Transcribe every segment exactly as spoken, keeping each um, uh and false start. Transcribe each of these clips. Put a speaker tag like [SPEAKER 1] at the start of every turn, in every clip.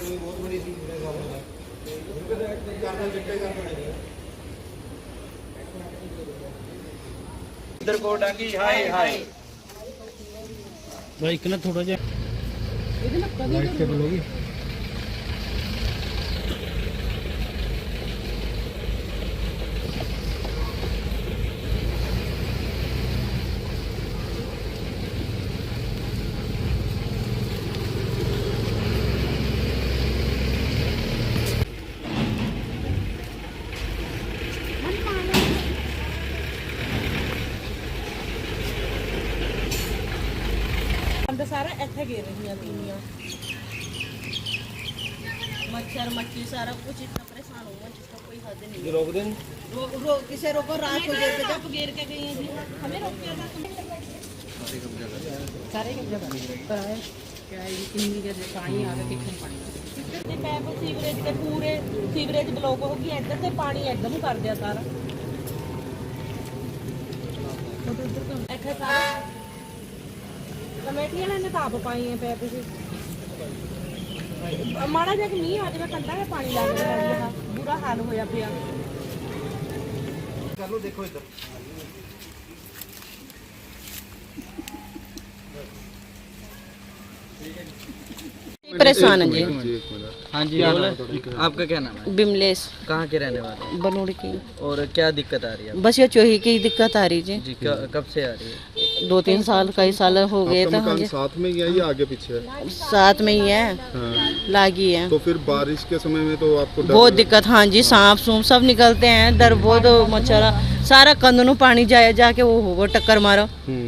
[SPEAKER 1] इधर को डांगी हाय हाय
[SPEAKER 2] भाई इतना थोड़ा जा लाइट के बोलोगी
[SPEAKER 3] सारा इत्थे गिर रही तीनियां मच्छर मक्खी सारा कुछ इतना परेशान हुआ जिसका कोई हद नहीं।
[SPEAKER 1] रोक दें
[SPEAKER 3] रो, रो, किसे रोको रात को गिर के जब गिर के गई हैं जी हमें रोक के सारे कब्जा कर क्या है कितनी के पानी आ गया कितने पानी ते पैप सीवरेज के पूरे सीवरेज ब्लॉक हो गया इधर से पानी एकदम कर दिया सारा इत्थे सारा कमेटी वाले ने ताप पाई है पैप से माड़ा जा मीह आ जाए कंधा में पानी लग रहा बुरा हाल होया पिया
[SPEAKER 1] कर लो देखो इधर
[SPEAKER 4] परेशान है जी।
[SPEAKER 1] हाँ जी आपका क्या नाम है?
[SPEAKER 4] बिमलेश
[SPEAKER 1] कहाँ के रहने वाले हैं?
[SPEAKER 4] बनूड़ की।
[SPEAKER 1] और क्या दिक्कत आ रही है?
[SPEAKER 4] बस ये चोही की दिक्कत आ रही जी
[SPEAKER 1] जी कब से आ रही है?
[SPEAKER 4] दो तीन साल कई साल हो गए तो हाँ जी
[SPEAKER 5] साथ में ही है या आगे पीछे है?
[SPEAKER 4] साथ में ही है
[SPEAKER 5] हाँ।
[SPEAKER 4] लागी है
[SPEAKER 5] तो फिर बारिश के समय में तो आपको डर
[SPEAKER 4] बहुत दिक्कत हाँ जी सांप सूप सब निकलते हैं डर बहुत मच्छर सारा कंदनू पानी जाए जाके वो हो टक्कर मारो।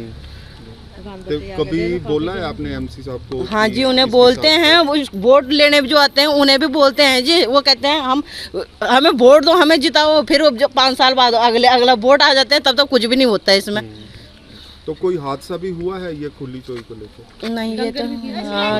[SPEAKER 5] तो कभी बोला है आपने एमसी साहब को?
[SPEAKER 4] हाँ जी उन्हें बोलते हैं वो वोट लेने जो आते हैं उन्हें भी बोलते हैं जी वो कहते हैं हम हमें वोट दो हमें जिताओ फिर जब पाँच साल बाद अगले अगला वोट आ जाते हैं तब तक कुछ भी नहीं होता है इसमें।
[SPEAKER 5] तो कोई हादसा भी हुआ है ये खुली चोई को लेकर?
[SPEAKER 4] नहीं ये तो हाँ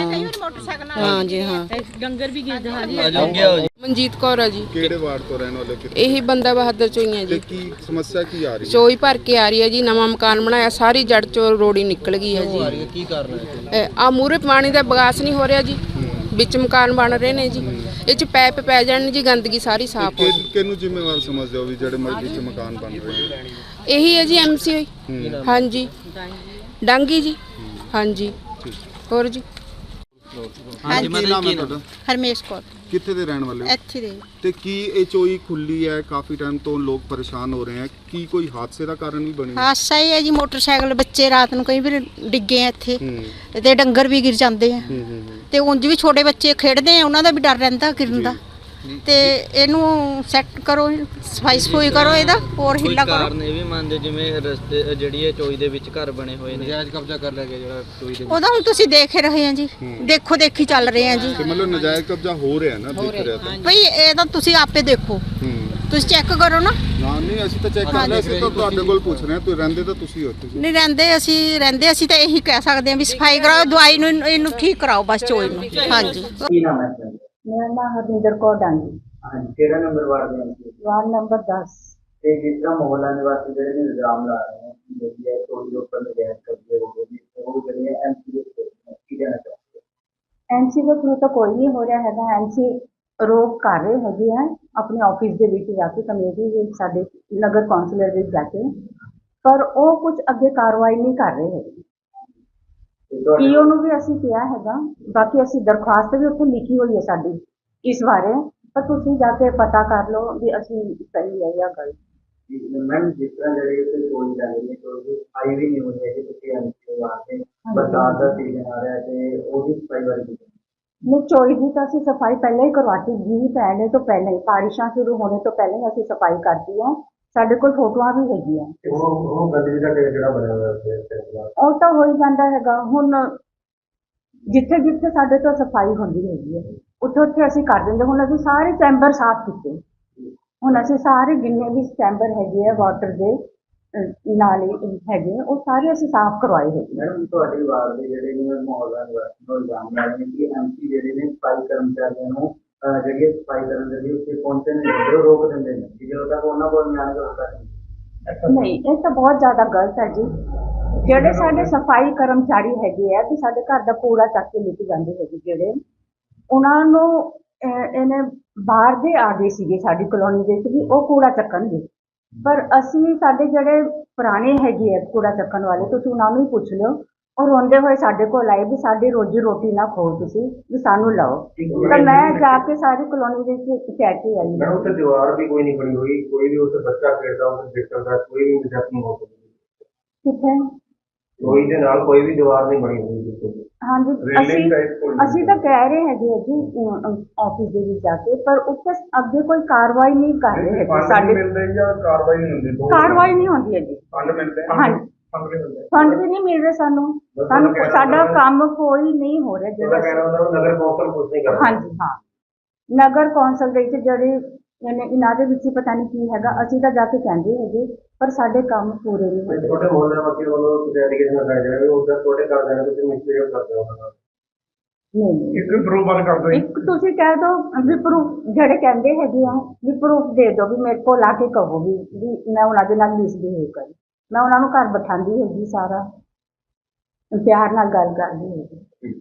[SPEAKER 4] हाँ जी हाँ
[SPEAKER 3] डंगर भी गिर
[SPEAKER 6] ਮਨਜੀਤ ਕੌਰ ਆ ਜੀ
[SPEAKER 5] ਕਿਹੜੇ ਵਾਰਡ ਤੋਂ ਰਹਿਣ ਵਾਲੇ? ਕਿੱਥੇ?
[SPEAKER 6] ਇਹੀ ਬੰਦਾ ਬਹਾਦਰ ਚੋਂ ਹੀ ਆ
[SPEAKER 5] ਤੇ
[SPEAKER 6] ਜੀ।
[SPEAKER 5] ਕੀ ਸਮੱਸਿਆ ਕੀ ਆ ਰਹੀ ਹੈ?
[SPEAKER 6] ਚੋਈ ਭਰ ਕੇ ਆ ਰਹੀ ਹੈ ਜੀ ਨਵਾਂ ਮਕਾਨ ਬਣਾਇਆ ਸਾਰੀ ਜੜ ਚੋਂ ਰੋੜੀ ਨਿਕਲ ਗਈ ਹੈ ਜੀ।
[SPEAKER 1] ਕੀ ਕਾਰਨ ਹੈ?
[SPEAKER 6] ਆ ਮੂਰੇ ਪਾਣੀ ਦਾ ਬਗਾਸ ਨਹੀਂ ਹੋ ਰਿਹਾ ਜੀ ਵਿੱਚ ਮਕਾਨ ਬਣ ਰਹੇ ਨੇ ਜੀ ਇਹ ਚ ਪੈਪ ਪੈ ਜਾਣ ਜੀ ਗੰਦਗੀ ਸਾਰੀ ਸਾਫ਼ ਹੋ
[SPEAKER 5] ਕਿ ਕਿਹਨੂੰ ਜ਼ਿੰਮੇਵਾਰ ਸਮਝਦੇ ਹੋ ਵੀ ਜਿਹੜੇ ਮਸਜਿਦ ਚ ਮਕਾਨ ਬਣ ਰਹੇ ਨੇ?
[SPEAKER 6] ਇਹੀ ਹੈ ਜੀ ਐਮਸੀ ਹੋਈ ਹਾਂਜੀ ਡਾਂਗੀ ਜੀ ਹਾਂਜੀ ਹੋਰ ਜੀ
[SPEAKER 5] ਹਾਂਜੀ ਕੀ ਨਾਮ ਹੈ ਤੁਹਾਡਾ?
[SPEAKER 4] ਹਰਮੇਸ਼ ਕੌਰ
[SPEAKER 5] ਕਿੱਥੇ ਦੇ ਰਹਿਣ ਵਾਲੇ ਹੋ?
[SPEAKER 4] ਇੱਥੇ ਦੇ
[SPEAKER 5] ਤੇ ਕੀ ਇਹ ਚੋਈ ਖੁੱਲੀ ਹੈ ਕਾਫੀ ਟਾਈਮ ਤੋਂ ਲੋਕ ਪਰੇਸ਼ਾਨ ਹੋ ਰਹੇ ਹੈ ਕੀ ਕੋਈ ਹਾਦਸੇ ਦਾ ਕਾਰਨ ਵੀ ਬਣੀ?
[SPEAKER 4] ਹਾਦਸਾ ਹੀ ਹੈ ਜੀ ਮੋਟਰਸਾਈਕਲ ਬੱਚੇ ਰਾਤ ਨੂੰ ਕਈ ਵਾਰ ਡਿੱਗੇ ਆ ਇੱਥੇ
[SPEAKER 5] ਹੂੰ
[SPEAKER 4] ਤੇ ਡੰਗਰ ਵੀ ਗਿਰ ਜਾਂਦੇ ਆ
[SPEAKER 5] ਹੂੰ ਹੂੰ
[SPEAKER 4] ਤੇ ਉਂਝ ਵੀ ਛੋਟੇ ਬੱਚੇ ਖੇਡਦੇ ਆ ਉਹਨਾਂ ਦਾ ਵੀ ਡਰ ਰਹਿੰਦਾ ਗਿਰਨ ਦਾ ਤੇ ਇਹਨੂੰ ਸੈੱਟ ਕਰੋ ਸਫਾਈ ਸਫੂਈ ਕਰੋ ਇਹਦਾ ਹੋਰ ਹਿੱਲਾ ਕਰੋ।
[SPEAKER 1] ਕਾਰਨ ਇਹ ਵੀ ਮੰਨਦੇ ਜਿਵੇਂ ਰਸਤੇ ਜਿਹੜੀ ਇਹ ਚੋਈ ਦੇ ਵਿੱਚ ਘਰ ਬਣੇ ਹੋਏ ਨੇ ਨਜਾਇਜ਼ ਕਬਜ਼ਾ ਕਰ ਲਿਆ ਗਿਆ ਜਿਹੜਾ ਚੋਈ ਦੇ
[SPEAKER 4] ਉਹਦਾ ਹੁਣ ਤੁਸੀਂ ਦੇਖ ਹੀ ਰਹੇ ਆ ਜੀ ਦੇਖੋ ਦੇਖੀ ਚੱਲ ਰਹੇ ਆ ਜੀ
[SPEAKER 5] ਤੇ ਮਤਲਬ ਨਜਾਇਜ਼ ਕਬਜ਼ਾ ਹੋ ਰਿਹਾ ਨਾ ਦਿਖ ਰਿਹਾ ਤਾਂ
[SPEAKER 4] ਭਈ ਇਹ ਤਾਂ ਤੁਸੀਂ ਆਪੇ ਦੇਖੋ
[SPEAKER 5] ਹੂੰ
[SPEAKER 4] ਤੁਸੀਂ ਚੈੱਕ ਕਰੋ ਨਾ।
[SPEAKER 5] ਨਾ ਨਹੀਂ ਅਸੀਂ ਤਾਂ ਚੈੱਕ ਕਰ ਲਿਆ ਅਸੀਂ ਤਾਂ ਤੁਹਾਡੇ ਕੋਲ ਪੁੱਛ ਰਹੇ ਹਾਂ ਤੁਸੀਂ ਰਹਿੰਦੇ ਤਾਂ ਤੁਸੀਂ ਹੋ ਤੁਸੀਂ
[SPEAKER 4] ਨਹੀਂ ਰਹਿੰਦੇ ਅਸੀਂ ਰਹਿੰਦੇ ਅਸੀਂ ਤਾਂ ਇਹੀ ਕਹਿ ਸਕਦੇ ਹਾਂ ਵੀ ਸਫਾਈ ਕਰਾਓ ਦਵਾਈ ਨੂੰ ਇਹਨੂੰ ਠੀਕ ਕਰਾਓ ਬਸ ਚੋਈ ਨੂੰ। ਹਾਂਜੀ
[SPEAKER 1] ਕੀ ਨਾਮ ਹੈ?
[SPEAKER 7] ਮੇਰਾ ਨਾਮ ਹਰਵਿੰਦਰ ਕੌਰ ਡਾਂਗੀ
[SPEAKER 1] ਹਾਂਜੀ ਕਿਹੜਾ ਨੰਬਰ ਵਾਰਡ ਦੇ ਅੰਦਰ?
[SPEAKER 7] ਵਾਰਡ ਨੰਬਰ ਦਸ।
[SPEAKER 1] ਤੇ ਜਿਸ ਤਰ੍ਹਾਂ ਮੁਹੱਲਾ ਨਿਵਾਸੀ ਜਿਹੜੇ ਨੇ ਇਲਜ਼ਾਮ ਲਾ ਰਹੇ ਨੇ ਕਿ ਜਿਹੜੀ ਹੈ ਚੋਰੀ ਦੇ ਉੱਪਰ ਨਜਾਇਜ਼ ਕਬਜ਼ੇ ਹੋ ਗਏ ਨੇ ਉਹ ਜਿਹੜੇ ਐਮਸੀ ਦੇ ਕੀ ਕਹਿਣਾ ਚਾਹੁੰਦੇ?
[SPEAKER 7] ਐਮਸੀ ਦੇ ਥਰੂ ਤਾਂ ਕੋਈ ਨਹੀਂ ਹੋ ਰਿਹਾ ਹੈਗਾ ਐਮਸੀ ਰੋਕ ਕਰ ਰਹੇ ਹੈਗੇ ਆ ਆਪਣੇ ਆਫਿਸ ਦੇ ਵਿੱਚ ਜਾ ਕੇ ਕਮੇਟੀ ਦੇ ਸਾਡੇ ਨਗਰ ਕੌਂਸਲਰ ਵਿੱਚ ਜਾ ਕੇ ਪਰ ਉਹ ਕੁਝ ਅੱਗੇ ਕਾਰਵਾਈ ਨਹੀਂ ਕਰ ਰਹੇ ਹੈਗੇ। ਪੀਓ ਨੂੰ ਵੀ ਅਸੀਂ ਕਿਹਾ ਹੈਗਾ ਬਾਕੀ ਅਸੀਂ ਦਰਖਾਸਤ ਵੀ ਉੱਥੇ ਲਿਖੀ ਹੋਈ ਹੈ ਸਾਡੀ ਇਸ ਬਾਰੇ ਪਰ ਤੁਸੀਂ ਜਾ ਕੇ ਪਤਾ ਕਰ ਲਓ ਵੀ ਅਸੀਂ ਸਹੀ ਹੈ ਜਾਂ ਗਲਤ।
[SPEAKER 1] ਮੈਮ ਜਿਸ ਤਰ੍ਹਾਂ ਜਿਹੜੇ ਉੱਥੇ ਚੋਰੀ ਚੱਲ ਰਹੀ ਹੈ ਚੋਰੀ ਆਈ ਵੀ ਨਹੀਂ ਹੋਈ ਹੈ ਕਿ ਤੁਸੀਂ ਐਮਸੀ ਵਾਸਤੇ ਬਰਸਾਤ ਦਾ ਸੀਜ਼ਨ ਆ ਰਿਹਾ ਤੇ ਉਹਦੀ ਸਫਾਈ ਬਾਰੇ ਕੀ?
[SPEAKER 7] ਨਹੀਂ ਚੋਰੀ ਦੀ ਤਾਂ ਅਸੀਂ ਸਫਾਈ ਪਹਿਲਾਂ ਹੀ ਕਰਵਾਤੀ ਜੀ ਪੈਣੇ ਤੋਂ ਪਹਿਲਾਂ ਹੀ ਬਾਰਿਸ਼ਾਂ ਸ਼ੁਰੂ ਹੋਣੇ ਤੋਂ ਪਹਿਲਾਂ ਹੀ ਅਸੀਂ ਸਫਾਈ ਕਰਤੀ ਹੈ ਸਾਡੇ ਕੋਲ ਫੋਟੋਆਂ ਵੀ ਹੈਗੀਆਂ।
[SPEAKER 1] ਉਹ ਉਹ ਗੰਦਗੀ ਦਾ ਢੇਰ ਜਿਹੜਾ ਬਣਿਆ ਹੋਇਆ
[SPEAKER 7] ਉਹ ਤਾਂ ਹੋ ਹੀ ਜਾਂਦਾ ਹੈਗਾ ਹੁਣ ਜਿੱਥੇ ਜਿੱਥੇ ਸਾਡੇ ਤੋਂ ਸਫਾਈ ਹੁੰਦੀ ਹੈਗੀ ਹੈ ਉੱਥੇ ਉੱਥੇ ਅਸੀਂ ਕਰ ਦਿੰਦੇ ਹੁਣ ਅਸੀਂ ਸਾਰੇ ਚੈਂਬਰ ਸਾਫ਼ ਕੀਤੇ ਹੁਣ ਅਸੀਂ ਸਾਰੇ ਜਿੰਨੇ ਵੀ ਚੈਂਬਰ ਹੈਗੇ ਆ ਵਾਟਰ ਦੇ ਨਾਲੇ ਹੈਗੇ ਉਹ ਸਾਰੇ ਅਸੀਂ ਸਾਫ਼ ਕਰਵਾਏ ਹੈਗੇ।
[SPEAKER 1] ਮੈਡਮ ਤੁਹਾਡੀ ਵਾਰਡ ਦੇ ਜਿਹੜੇ ਨੇ ਮੁਹੱਲਾ ਨਿਵਾਸੀ ਨੂੰ ਇਲਜ਼ਾਮ ਲਾ ਰਹੇ ਨੇ ਕਿ ਐਮਸੀ ਜਿਹੜੇ ਨੇ ਸਫਾਈ ਕਰਮਚਾਰੀਆਂ ਨੂੰ ਜਿਹੜੀ ਸਫਾਈ ਕਰਨ ਦੇ ਲਈ ਉੱਥੇ ਪਹੁੰਚਣ ਨਹੀਂ ਰੋਕ ਦਿੰਦੇ ਨੇ ਕਿ ਜਦੋਂ ਤੱਕ ਉਹਨਾਂ ਕੋਲ ਨਿਆਂ ਨਹੀਂ ਹੁੰਦਾ।
[SPEAKER 7] ਨਹੀਂ ਇਹ ਤਾਂ ਬਹੁਤ ਜ਼ਿਆਦਾ ਗਲਤ ਹੈ ਜੀ ਜਿਹੜੇ ਸਾਡੇ ਸਫਾਈ ਕਰਮਚਾਰੀ ਹੈਗੇ ਆ ਤੇ ਸਾਡੇ ਘਰ ਦਾ ਕੂੜਾ ਚੱਕ ਕੇ ਲੈ ਕੇ ਜਾਂਦੇ ਹੈਗੇ ਜਿਹੜੇ ਉਹਨਾਂ ਨੂੰ ਅਹ, ਇਹਨੇ ਬਾਹਰ ਦੇ ਆ ਗਏ ਸੀਗੇ ਸਾਡੀ ਕਲੋਨੀ ਦੇ ਵਿੱਚ ਵੀ ਉਹ ਕੂੜਾ ਚੱਕਣਗੇ, ਪਰ ਅਸੀਂ ਸਾਡੇ ਜਿਹੜੇ ਪੁਰਾਣੇ ਹੈਗੇ ਆ ਕੂੜਾ ਚੱਕਣ ਵਾਲੇ, ਤੁਸੀਂ ਉਹਨਾਂ ਨੂੰ ਹੀ ਪੁੱਛ ਲਿਓ, ਉਹ ਰੋਂਦੇ ਹੋਏ ਸਾਡੇ ਕੋਲ ਆਏ ਵੀ ਸਾਡੀ ਰੋਜੀ ਰੋਟੀ ਨਾ ਖੋਓ ਤੁਸੀਂ, ਵੀ ਸਾਨੂੰ ਲਾਓ। ਤਾਂ ਮੈਂ ਜਾ ਕੇ ਸਾਰੀ ਕਲੋਨੀ ਦੇ ਵਿੱਚ ਕਹਿ ਕੇ ਆਈ।
[SPEAKER 1] मैडम उससे दीवार भी कोई नहीं बनी हुई, कोई भी उससे बच्चा खेलता है उसे देख सकता है, कोई भी मिजाज नहीं हो सकती।
[SPEAKER 7] ਕਿੱਥੇ?
[SPEAKER 1] कोई ਦੇ ਨਾਲ ਕੋਈ ਵੀ ਦੀਵਾਰ ਨਹੀਂ ਬਣੀ ਹੋਈ ਬਿਲਕੁਲ।
[SPEAKER 7] ਹਾਂਜੀ,
[SPEAKER 1] Railing
[SPEAKER 7] ਅਸੀਂ
[SPEAKER 1] type ਕੋਈ
[SPEAKER 7] ਅਸੀਂ ਤਾਂ ਕਹਿ ਰਹੇ ਹੈਗੇ ਆ ਜੀ ਆਫਿਸ ਦੇ ਵਿੱਚ ਜਾ ਕੇ, ਪਰ ਉੱਥੇ ਅੱਗੇ ਕੋਈ ਕਾਰਵਾਈ ਨਹੀਂ ਕਰ ਰਹੇ ਹੈਗੇ ਸਾਡੇ।
[SPEAKER 1] ਮਿਲਦੇ ਜਾਂ ਕਾਰਵਾਈ ਨਹੀਂ ਹੁੰਦੀ?
[SPEAKER 7] ਕਾਰਵਾਈ ਨਹੀਂ ਹੁੰਦੀ ਹੈਗੀ।
[SPEAKER 1] ਫੰਡ ਮਿਲਦੇ
[SPEAKER 7] ਹਾਂਜੀ,
[SPEAKER 1] ਫੰਡ ਨਹੀਂ ਮਿਲਦੇ।
[SPEAKER 7] ਫੰਡ ਵੀ ਨਹੀਂ ਮਿਲ ਰਹੇ ਸਾਨੂੰ, ਸਾਨੂੰ ਸਾਡਾ ਕੰਮ ਕੋਈ ਨਹੀਂ ਹੋ ਰਿਹਾ
[SPEAKER 1] ਉਹਦਾ
[SPEAKER 7] ਜਿਹੜਾ।
[SPEAKER 1] ਕਹਿਣਾ ਹੁੰਦਾ ਨਗਰ ਕੌਂਸਲ ਕੁਝ ਨਹੀਂ ਕਰਦਾ।
[SPEAKER 7] ਹਾਂਜੀ ਹਾਂ, ਨਗਰ ਕੌਂਸਲ ਦੇ ਵਿੱਚ ਜਿਹੜੇ ਇਹਨੇ ਇਹਨਾਂ ਦੇ ਵਿੱਚ ਹੀ ਪਤਾ ਨਹੀਂ ਕੀ ਹੈਗਾ, ਅਸੀਂ ਤਾਂ ਜਾ ਕੇ ਕਹਿੰਦੇ ਹੈਗੇ ਪਰ ਸਾਡੇ ਕੰਮ ਪੂਰੇ ਨਹੀਂ ਹੁੰਦੇ।
[SPEAKER 1] ਛੋਟੇ ਮੁਹੱਲੇ ਵਾਸੀ ਵੱਲੋਂ ਕੁਝ ਐਲੀਗੇਸ਼ਨ ਲਗਾਏ ਜਾ ਰਹੇ ਹੋ, ਉਧਰ ਛੋਟੇ ਕਰ ਦੇਣਾ ਤੁਸੀਂ ਮਿਸਬਿਹੇਵ ਕਰਦੇ ਹੋ ਉਹਨਾਂ ਨਾਲ।
[SPEAKER 7] ਨਹੀਂ ਨਹੀਂ,
[SPEAKER 1] ਇੱਕ ਪ੍ਰੂਫ ਬਣ ਕਰ ਦੋ।
[SPEAKER 7] ਇੱਕ ਤੁਸੀਂ ਕਹਿ ਦਿਓ ਵੀ ਪ੍ਰੂਫ ਜਿਹੜੇ ਕਹਿੰਦੇ ਹੈਗੇ ਆ ਵੀ ਪ੍ਰੂਫ ਦੇ ਦਿਓ, ਵੀ ਮੇਰੇ ਕੋਲ ਆ ਕੇ ਕਹੋ ਵੀ ਵੀ ਮੈਂ ਉਹਨਾਂ ਦੇ ਨਾਲ ਮਿਸਬਿਹੇਵ ਕਰੀ। ਮੈਂ ਉਹਨਾਂ ਨੂੰ ਘਰ ਬਿਠਾਉਂਦੀ ਹੈਗੀ, ਸਾਰਾ ਪਿਆਰ ਨਾਲ ਗੱਲ ਕਰਦੀ ਹੈਗੀ।